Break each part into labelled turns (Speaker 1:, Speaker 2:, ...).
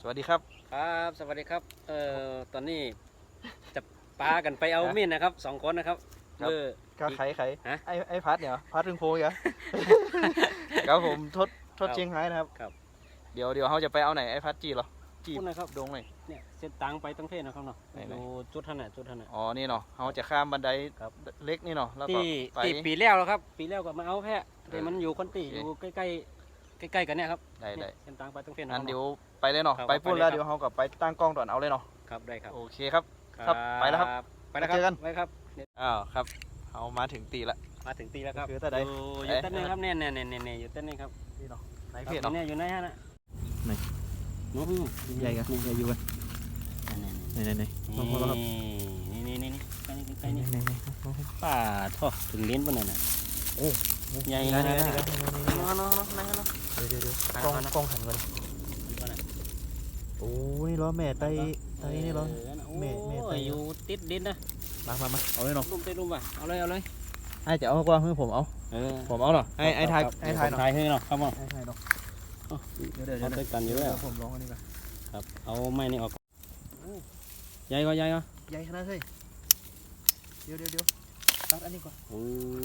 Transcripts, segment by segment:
Speaker 1: วัสดีครับ
Speaker 2: ครับสวัสดีครับตอนนี้จะปากันไปเอามีดนะครับ2 คนนะครับ
Speaker 1: ก็ไข่
Speaker 2: ฮะ
Speaker 1: ไอ้พัดเนี่ยพัดถึงโพยเหรอ ครับผมทดเชียงไฮ้นะครับ
Speaker 2: ครับ
Speaker 1: เดี๋ยวเขาจะไปเอาไหนไอ้พัดจีเหรอจี
Speaker 2: พูดนะครับ
Speaker 1: ดงไหน
Speaker 2: เนี่ยเส้นตังไปตั้งเพศนะครับเนาะ
Speaker 1: ไหน
Speaker 2: ดูจุดท่านน่ะจุดท่านน่ะ
Speaker 1: อ๋อนี่เนาะเขาจะข้ามบันได
Speaker 2: ครับ
Speaker 1: เล็กนี่เนาะแล้วก็
Speaker 2: ที่
Speaker 1: ไป
Speaker 2: ที่ปีแล้วครับปีแล้วก็มาเอาแพะแต่มันอยู่คนตี
Speaker 1: โอเค
Speaker 2: อยู่ใกล้ๆกันเนี่ยครับ
Speaker 1: ได้
Speaker 2: เนี่ยเส้นตังไปตั้งเพศ
Speaker 1: อันเดี๋ยวไปเลยเนาะ
Speaker 2: ครับ
Speaker 1: ไปพูดแล้ว
Speaker 2: ไปเลยครับ
Speaker 1: เดี๋ยวเขากับไปตั้งกล้องตอนเอาเลยเนาะ
Speaker 2: ครับได้ครับ
Speaker 1: โอเคครับ ครับไปแล้วครับ
Speaker 2: ไปแล้วครับ
Speaker 1: เจอกัน
Speaker 2: ไปครับ
Speaker 1: อ้าวครับเขามาถึงตีละ
Speaker 2: มาถึงตีแล้วครับ
Speaker 1: คือแต่ใด
Speaker 2: อยู่เต้นนี่ครับเนี่ยอยู่เต้นนี่ครับ
Speaker 1: นี่เนาะไหน
Speaker 2: ครับ
Speaker 1: เพจเนาะ
Speaker 2: เนี่ยอยู่ไหนฮะน่ะ
Speaker 1: ไหน
Speaker 2: นู้น
Speaker 1: ใหญ่กันใหญ่อยู่กันไหนมองแล้วครับ
Speaker 2: นี่ใกล้นี่ป่าท่อถึงเลี้ยนปะเนี่ย
Speaker 1: โอ้
Speaker 2: ใหญ่
Speaker 1: นี่
Speaker 2: ข
Speaker 1: กัน
Speaker 2: นาด
Speaker 1: นี่
Speaker 2: นั้น
Speaker 1: กัน
Speaker 2: เนาะ
Speaker 1: เดี๋ยวกล้องหันกันโอ้ยล้อแม่ไตนี่ล้อ แม่ไต
Speaker 2: อยู่ติดดินนะ
Speaker 1: มาเอาเลยเนาะ
Speaker 2: ลุ่มเต้ลุ่มป่ะเอาเลย
Speaker 1: ไอ้จะเอากว่าให้ผมเอา ผมเอาเนาะไอ้ทายเนาะ
Speaker 2: ทายให้เนาะครับผม
Speaker 1: ไอ้ทายเนาะเดี๋ยว
Speaker 2: เขาด้วยกันอยู่แล้ว
Speaker 1: ผมลองอันนี้ก่อน
Speaker 2: ครับเอาไม้นี่ออกใหญ่ก็
Speaker 1: ใหญ่ขนาดเฮ้ยเดี๋ยวตัดอันนี้ก่อน
Speaker 2: โอ้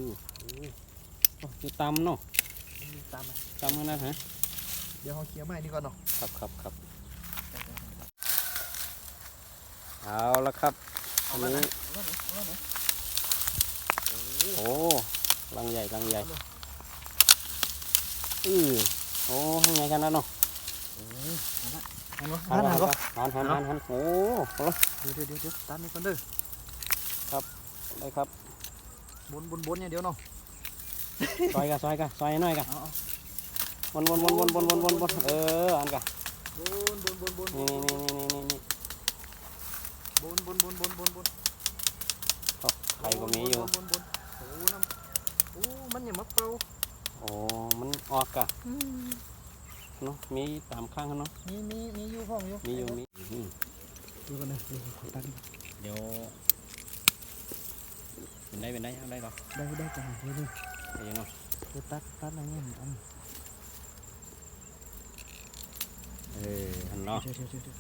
Speaker 2: อยู่ตำเนาะ
Speaker 1: ตามมา
Speaker 2: ตำขนาดฮะ
Speaker 1: เดี๋ยวเขาเคลียร์ไม้นี่ก่อนเนาะ
Speaker 2: ครับเอาละครับอันนี้โอ้ลังใหญ่โอ้ให้ไงกันนะเนาะ
Speaker 1: หันก็
Speaker 2: หันโอ้โห
Speaker 1: เดี๋ยวตัดนี่ก่อนเด้อ
Speaker 2: ได้ครับ
Speaker 1: บนเนี่ยเดี๋ยวเนาะ
Speaker 2: ซอยหน่อยกะวนอันกะ
Speaker 1: บน
Speaker 2: นี่
Speaker 1: บน
Speaker 2: ไข่ก็มีอยู่
Speaker 1: บนโอ้น้ำโอ้มันอย่ามาเป่า
Speaker 2: โอ้มันออกกะเนาะมีตามข้างเนาะ
Speaker 1: มีอยู่ห้องอยู่
Speaker 2: มีอยู่
Speaker 1: ดูกันนะตัด
Speaker 2: เดี๋ยวเป็นได้เอาได้หรอ
Speaker 1: ได้จังเลย
Speaker 2: เดี๋ยวเนาะ
Speaker 1: ตัดอะไรเงี้ยอัน
Speaker 2: หันเนาะ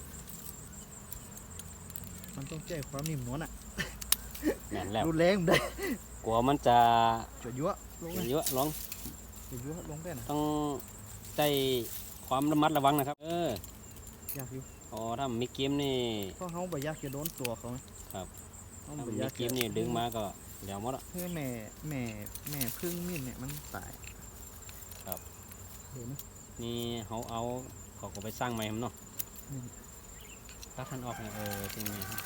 Speaker 1: มันต้องแจ้ความนิ่มนวลอ่ะ
Speaker 2: แน่นแล้ว
Speaker 1: รุนแรงได้
Speaker 2: กลัวมันจะ
Speaker 1: จะยั่วลง
Speaker 2: เยอะลอง
Speaker 1: จะยั่วลงได้นะ
Speaker 2: ต้องใจความระมัดระวังนะครับ
Speaker 1: อยากอยู่
Speaker 2: อ๋อถ้ามีเกมนี่
Speaker 1: เพราะเขาบ่อยากจะโดนตัวเขา
Speaker 2: ครับ
Speaker 1: เขา
Speaker 2: ถ้า
Speaker 1: บ่
Speaker 2: มี
Speaker 1: อยาก
Speaker 2: เกมนี่ดึงมาก็เดี๋ยวหมดอ่ะ
Speaker 1: เพื่อแม่พึ่งมีดเนี่ยมันตาย
Speaker 2: ครับ
Speaker 1: เห็นไหม
Speaker 2: นี่เขาเอาเขาก็ไปสร้างใหม่ครับเนาะถ้าท่านออกเนี่ยจริงไหมครับ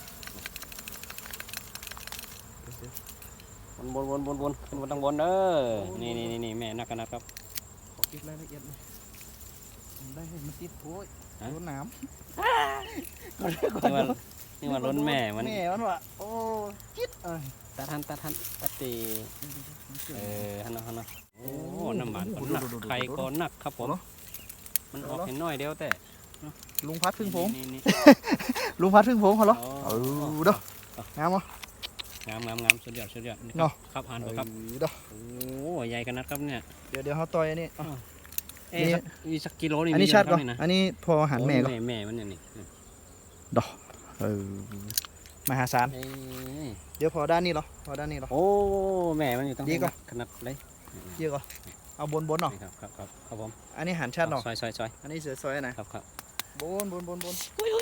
Speaker 2: วนขึ้นมาตั้งบนเด้อนี่แม่นักกันนะครับ
Speaker 1: ขอเก็บรายละเอียดหน่อยได้เห็นมันติดโอ้ยโดนน้ำ
Speaker 2: นี่ว่าล้นแม่มัน
Speaker 1: แม่มันว่ะโอ้จิ๊ด
Speaker 2: ตัดตีฮันนะโอ้น้ำหวานก็หนักไข่ก็หนักครับผมมันออกเห็นน้อยเดียวแต่
Speaker 1: ลุงพัดพึ่งผม
Speaker 2: นี่
Speaker 1: ลุงพัดพึ่งผมเขาเหรอเด้องามมั้
Speaker 2: งามสุดยอดนี่
Speaker 1: เนาะ
Speaker 2: ครับหันครับ
Speaker 1: เด้อ
Speaker 2: โอ้ใหญ่กันนะครับเนี่ย
Speaker 1: เดี๋ยวเขาต่อยอันนี้
Speaker 2: มีสักกิโลนี่
Speaker 1: อันนี้ชัดก่อน
Speaker 2: นะ
Speaker 1: อันนี้พอหันแม่ก็
Speaker 2: แม่มันเนี่ยนี่
Speaker 1: มหาศาลเดี๋ยวพอด้านนี้เหรอ
Speaker 2: โอ้แม่มันอยู่ตั้ง
Speaker 1: ดีก่อน
Speaker 2: ขนาดเลย
Speaker 1: เยอะก่อนเอาบนเนาะ
Speaker 2: ครับผม
Speaker 1: อันนี้หันชัดเนาะ
Speaker 2: ซอย
Speaker 1: อันนี้เสือซอยนะครับ บนบนบนบน
Speaker 2: โอ้ย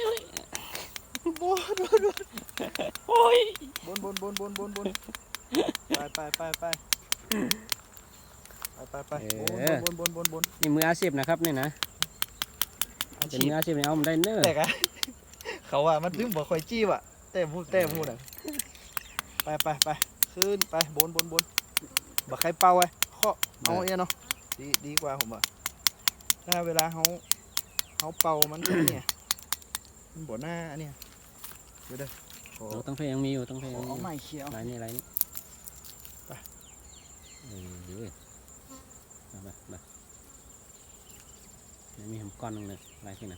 Speaker 1: ไปบน
Speaker 2: นี่มืออาชีพนะครับนี่นะเป็นมืออาชีพเนี่ยเอามันได้เนื้อ
Speaker 1: แต่กันเขาว่ามันลืมบอกคอยจี้ว่ะแต่พูดอ่ะไปขึ้นไปบนบักใครเป่าไว้ข้อเอาเนาะดีกว่าผมอ่ะถ้าเวลาเขาเป่ามันเนี่ยมันบ่หน้าเนี่ยเดี๋ยว
Speaker 2: ตั้งเพลงยังมีอยู่ตั้งเพลง
Speaker 1: เอาไม้เขียว
Speaker 2: ไรนี่ไปมีหำก้อนนึงเลยไรที่ไหน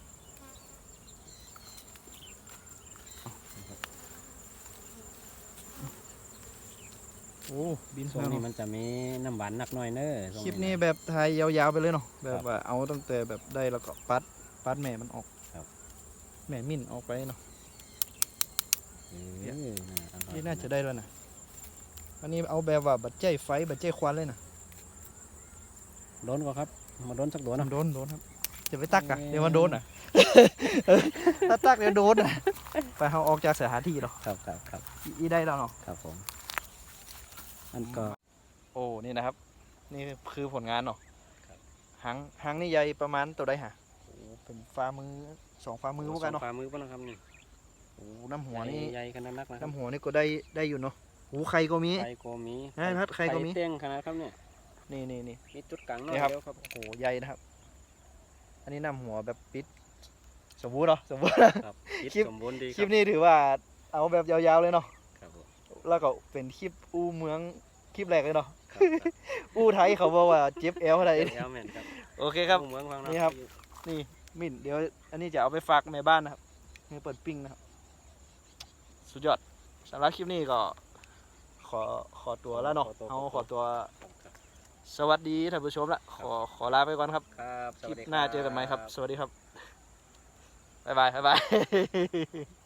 Speaker 1: โอ้บิน
Speaker 2: ช่วงนี้มันจะมีน้ำหวานหนักหน่อยเนอะ
Speaker 1: คลิปนี้แบบถ่ายยาวๆไปเลยเนาะแบบว่าเอาตั้งแต่แบบได้แล้วก็ปัดแม่มันออก
Speaker 2: ครับ
Speaker 1: แม่มิ่นออกไปเนาะ
Speaker 2: เอออร่อย
Speaker 1: นี่น่าจะได้แล้วนะอันนี้เอาแบบว่าบัดใจไฟบัดใจควันเลยนะ
Speaker 2: โดนก็ครับ มาโดนสักตัวนะ
Speaker 1: โดนครับจะไปตักอะ
Speaker 2: เอ้ย
Speaker 1: เดี๋ยวมันโดนอ่ะ ถ้าตักเดี๋ยวโดนอ่ะไปเอาออกจากสถานที่เนาะ
Speaker 2: ครับ
Speaker 1: อีได้แล้วเนาะ
Speaker 2: ครับผมอันก็
Speaker 1: โอ้นี่นะครับ นี่คือผลงานเนาะ
Speaker 2: ครับ
Speaker 1: หางนี่ใหญ่ประมาณตัวใดฮะโอ้เป็นฝ่ามือ2ฝ่ามือพวกกันเนาะ
Speaker 2: สองฝ่ามือป่ะนะครับนี่
Speaker 1: โอ้น้ำหัวนี่
Speaker 2: ใหญ่ขนาดนักนะครับ
Speaker 1: น้ำหัวนี่ก็ได้อยู่เนาะหูไข่ก็มี
Speaker 2: ไข่ก็มี
Speaker 1: ให้พัดไข่ก็มี
Speaker 2: เต้งขนาดครับเนี่ย
Speaker 1: นี่
Speaker 2: มีจุดกลางน้อย
Speaker 1: นี่ครับ
Speaker 2: เดียวครับ
Speaker 1: โอ้โหใหญ่นะครับ อันนี้น้ำหัวแบบปิดสมบูรณ์เนาะสมบูรณ์
Speaker 2: ครับคิด
Speaker 1: คลิป
Speaker 2: สมบูรณ์ดี
Speaker 1: คลิปนี้ถือว่าเอาแบบยาวๆเลยเนาะ
Speaker 2: ครับผม
Speaker 1: แล้วก็เป็นคลิปอู้เมืองคลิปแรกเลยเนาะ
Speaker 2: ครับ
Speaker 1: อู้ไทยเขาบอกว่าเจ็บเอวอะไร
Speaker 2: เอลแมนครับ
Speaker 1: โอเคครับ
Speaker 2: เมืองฟัง
Speaker 1: นี่ครับ นี่มิ่นเดี๋ยวอันนี้จะเอาไปฝากแม่บ้านนะครับให้เปิดปิ้งนะครับ สุดยอดสำหรับคลิปนี้ก็ขอตัวแล้วเนาะเอาขอตัวสวัสดีท่านผู้ชมละขอลาไปก่อนครับ
Speaker 2: ครับ
Speaker 1: คลิปหน้าเจอกันไหมครับ สวัสดีครับบ๊ายบาย